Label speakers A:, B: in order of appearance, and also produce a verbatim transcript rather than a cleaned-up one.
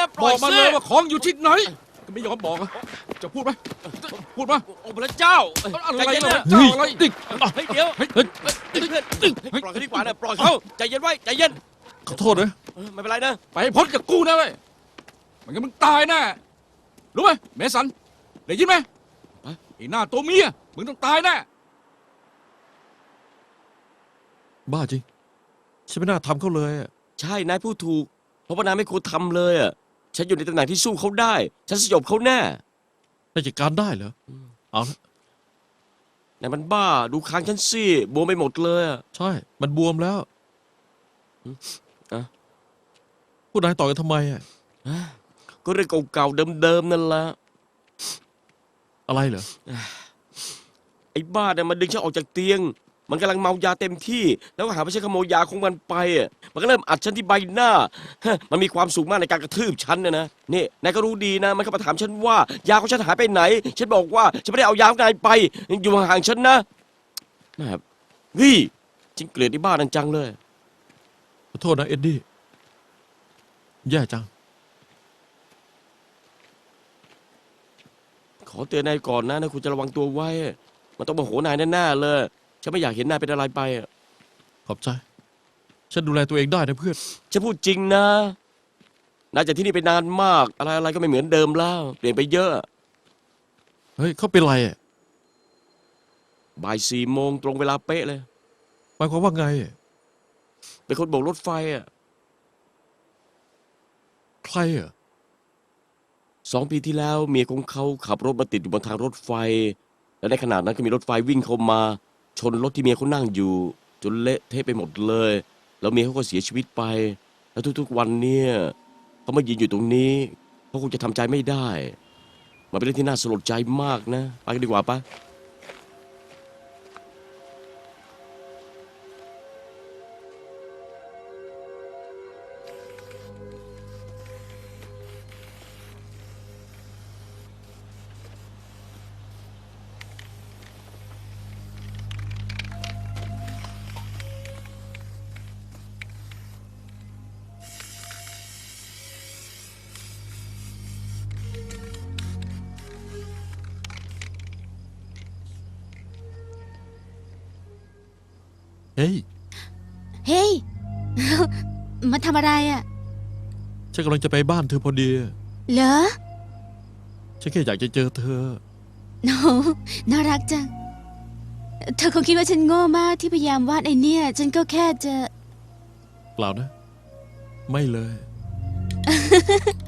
A: ปล่อย
B: บอกมา
A: สิ
B: เลยว่าของอยู่ที่ไหนก็ไม่ยอมบอกอะจะพูดไหมพูดมา
A: โอ้พระเจ้า
B: อะไร
A: ใจเย็น
B: นะ
A: นะ
B: เจ้าอะไรติ๊ก
A: เฮ้ยเดี๋ยว
B: เฮ้ย
A: เฮ้ยเพื่อนปล่อยเขาดีกว่านะปล่อยเขาใจเย็นไว้ใจเย็น
B: ขอโทษนะ
A: เออไม่เป็นไรนะ
B: ไปให้พ้นจากกูนะเว้ยไม่งั้นมึงตายแน่รู้ไหมเมสันได้ยินไหมไอ้หน้าตัวเมียมึงต้องตายแน่
C: บ้าจริงฉันไม่น่าทำเขาเลยอะ
A: ใช่นายพูดถูกเพราะว่านายไม่ควรทำเลยอ่ะฉันอยู่ในตำแหน่งที่สู้เขาได้ ฉันสยบเขาแน่
C: น่าจะการได้เหรอเอาละ
A: นายมันบ้าดูคางฉันสิบวมไปหมดเลยอะ
C: ใช่ มันบวมแล้ว
A: อ่ะ
C: ผู้นายต่อยกันทำไมอะ
A: ก็เรื่องเก่าๆเดิมๆนั่นแหละ
C: อะไรเหรอ
A: ไอ้บ้าเนี่ยมันดึงฉันออกจากเตียง มันกำลังเมายาเต็มที่ แล้วก็หาว่าฉันขโมยยาของมันไปอ่ะมันก็เริ่มอัดฉันที่ใบหน้าฮะมันมีความสุขมากในการกระทืบฉันนะนะนี่นายก็รู้ดีนะมันก็มาถามฉันว่ายาของฉันหายไปไหน ฉันบอกว่าฉันไม่ได้เอายาของนายไปอยู่ห่างๆฉันนะแม่เฮ้ยฉันเกลียดไอ้บ้านั่นจังเลย
C: ขอโทษนะเอ็ดดี้ แย่จัง
A: ขอเตือนนายก่อนนะนะคุณจะระวังตัวไว้ มันต้องมาโหนายแน่ๆเลยฉันไม่อยากเห็นนายเป็นอะไรไปอ่ะ
C: ขอบใจ ฉันดูแลตัวเองได้นะเพื่อน
A: ฉันพูดจริงนะนายจากที่นี่ไปนานมาก อะไรๆก็ไม่เหมือนเดิมแล้วเปลี่ยนไปเยอะ
C: เฮ้ยเขาเป็นไรอะ
A: บ่ายสี่โมงตรงเวลาเป๊ะเลย
C: หมายความว่าไงอะ
A: เป็นคนโบกรถไฟอ่ะ
C: ใครอะ
A: สองปีที่แล้วเมียของเขาขับรถมาติดอยู่บนทางรถไฟ และในขณะนั้นก็มีรถไฟวิ่งเข้ามา ชนรถที่เมียเขานั่งอยู่ จนเละเทะไปหมดเลย แล้วเมียเขาก็เสียชีวิตไป แล้วทุกๆวันเนี่ยเขามายืนอยู่ตรงนี้เขาคงจะทำใจไม่ได้ มันเป็นเรื่องที่น่าสลดใจมากนะไปกันดีกว่าปะ
C: เฮ้ย
D: เฮ้ย มาทำอะไรอ่ะ
C: ฉันกำลังจะไปบ้านเธอพอดี
D: เหรอ
C: ฉันแค่อยากจะเจอเธอ
D: โน้น่ารักจัง เธอคงคิดว่าฉันโง่มากที่พยายามวาดไอเนี่ย ฉันก็แค่จะ
C: เปล่านะ ไม่เลย